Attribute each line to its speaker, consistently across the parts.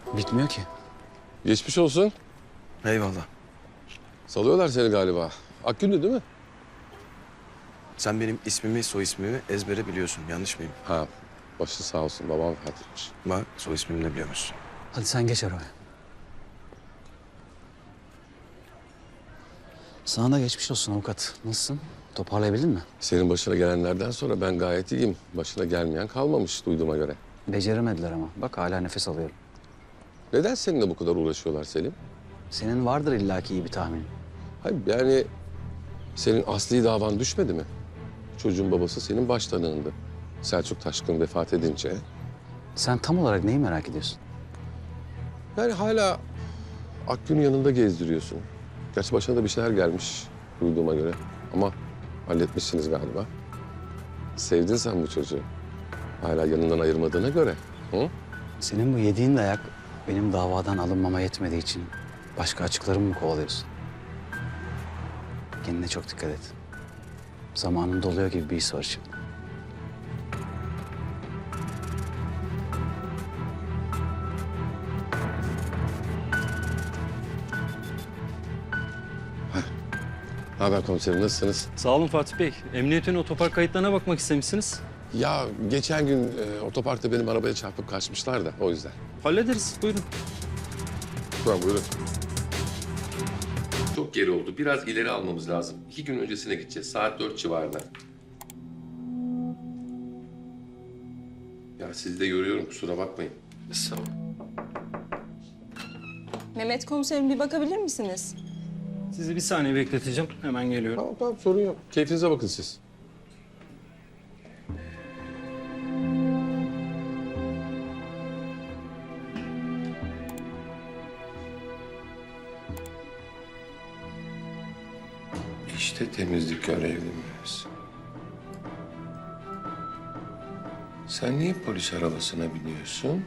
Speaker 1: Bitmiyor ki.
Speaker 2: Geçmiş olsun.
Speaker 3: Eyvallah.
Speaker 2: Salıyorlar seni galiba. Akgün'dü değil mi?
Speaker 3: Sen benim ismimi, soy ismimi ezbere biliyorsun. Yanlış mıyım?
Speaker 2: Ha, başı sağ olsun. Babam vefat etmiş.
Speaker 3: Bak soy ismimi de biliyor musun?
Speaker 1: Hadi sen geç arabaya. Sana da geçmiş olsun avukat. Nasılsın? Toparlayabildin mi?
Speaker 2: Senin başına gelenlerden sonra ben gayet iyiyim. Başına gelmeyen kalmamış duyduğuma göre.
Speaker 1: Beceremediler ama. Bak hala nefes alıyorum.
Speaker 2: Neden seninle bu kadar uğraşıyorlar Selim?
Speaker 1: Senin vardır illaki iyi bir tahminin.
Speaker 2: Hayır yani senin asli davan düşmedi mi? Çocuğun babası senin baş tanığındı. Selçuk Taşkın vefat edince.
Speaker 1: Sen tam olarak neyi merak ediyorsun?
Speaker 2: Yani hala Akgün'ün yanında gezdiriyorsun. Gerçi başına da bir şeyler gelmiş duyduğuma göre. Ama halletmişsiniz galiba. Sevdin sen bu çocuğu. Hala yanından ayırmadığına göre. Hı?
Speaker 1: Senin bu yediğin dayak benim davadan alınmama yetmediği için başka açıklarımı mı kovalıyorsun? Kendine çok dikkat et. Zamanın doluyor gibi bir his var şimdi.
Speaker 2: Haber komiserim nasılsınız?
Speaker 4: Sağ olun Fatih Bey. Emniyetin otopark kayıtlarına bakmak istemişsiniz.
Speaker 2: Ya geçen gün otoparkta benim arabaya çarpıp kaçmışlar da o yüzden.
Speaker 4: Hallederiz. Buyurun.
Speaker 2: Tamam buyurun. Çok geri oldu. Biraz ileri almamız lazım. 2 gün öncesine gideceğiz. Saat 4 civarında. Ya sizi de yoruyorum kusura bakmayın.
Speaker 4: Sağ olun.
Speaker 5: Mehmet komiserim bir bakabilir misiniz?
Speaker 4: Sizi bir saniye bekleteceğim. Hemen geliyorum.
Speaker 2: Tamam tamam sorun yok. Keyfinize bakın siz. İşte temizlik görevlimiz. Sen niye polis arabasına biniyorsun?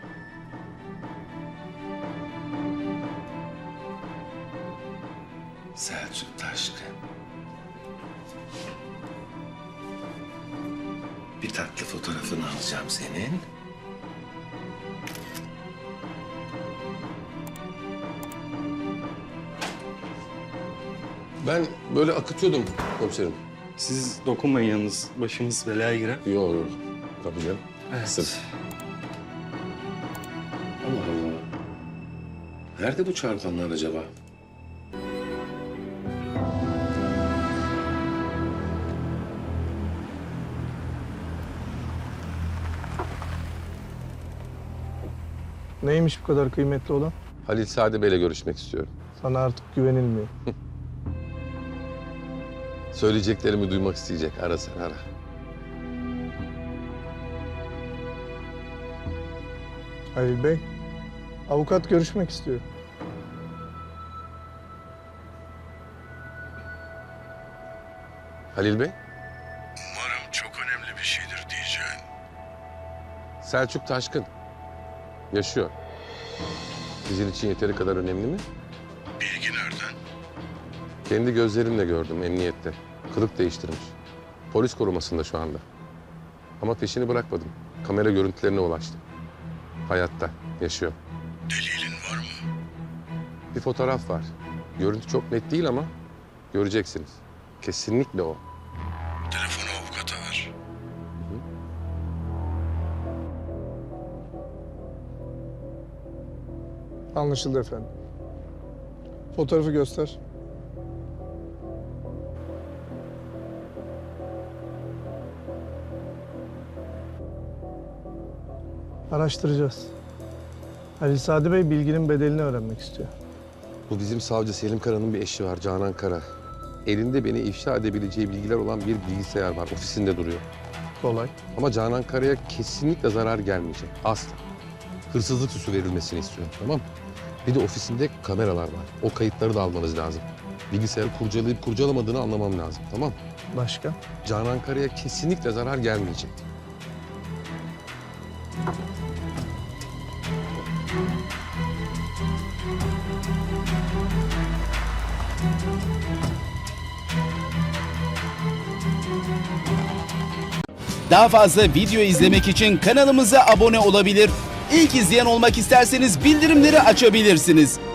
Speaker 2: Selçuk Taşkın. Bir tatlı fotoğrafını alacağım senin. Ben böyle akıtıyordum komiserim.
Speaker 4: Siz dokunmayın yalnız. Başımız belaya girer.
Speaker 2: Yok yok. Tabii canım.
Speaker 4: Evet.
Speaker 2: Sırf. Allah Allah. Nerede bu çarpanlar acaba?
Speaker 6: Neymiş bu kadar kıymetli olan?
Speaker 2: Halil Sade Bey'le görüşmek istiyorum.
Speaker 6: Sana artık güvenilmiyor.
Speaker 2: Söyleyeceklerimi duymak isteyecek. Ara sen ara.
Speaker 6: Halil Bey, avukat görüşmek istiyor.
Speaker 2: Halil Bey,
Speaker 7: Umarım çok önemli bir şeydir diyeceğin.
Speaker 2: Selçuk Taşkın. Yaşıyor. Sizin için yeteri kadar önemli mi?
Speaker 7: Bilgi nereden?
Speaker 2: Kendi gözlerimle gördüm emniyette. Kılık değiştirmiş. Polis korumasında şu anda. Ama peşini bırakmadım. Kamera görüntülerine ulaştım. Hayatta, yaşıyor.
Speaker 7: Delilin var mı?
Speaker 2: Bir fotoğraf var. Görüntü çok net değil ama göreceksiniz. Kesinlikle o.
Speaker 7: Telefonu avukata ver.
Speaker 6: Anlaşıldı efendim. Fotoğrafı göster. Araştıracağız. Halil Sadi Bey bilginin bedelini öğrenmek istiyor.
Speaker 2: Bu bizim savcı Selim Kara'nın bir eşi var, Canan Kara. Elinde beni ifşa edebileceği bilgiler olan bir bilgisayar var. Ofisinde duruyor.
Speaker 6: Kolay.
Speaker 2: Ama Canan Kara'ya kesinlikle zarar gelmeyecek. Asla. Hırsızlık süsü verilmesini istiyorum, tamam mı? Bir de ofisinde kameralar var. O kayıtları da almanız lazım. Bilgisayarı kurcalayıp kurcalamadığını anlamam lazım, tamam mı?
Speaker 6: Başka?
Speaker 2: Canan Kara'ya kesinlikle zarar gelmeyecek.
Speaker 8: Daha fazla video izlemek için kanalımıza abone olabilir. İlk izleyen olmak isterseniz bildirimleri açabilirsiniz.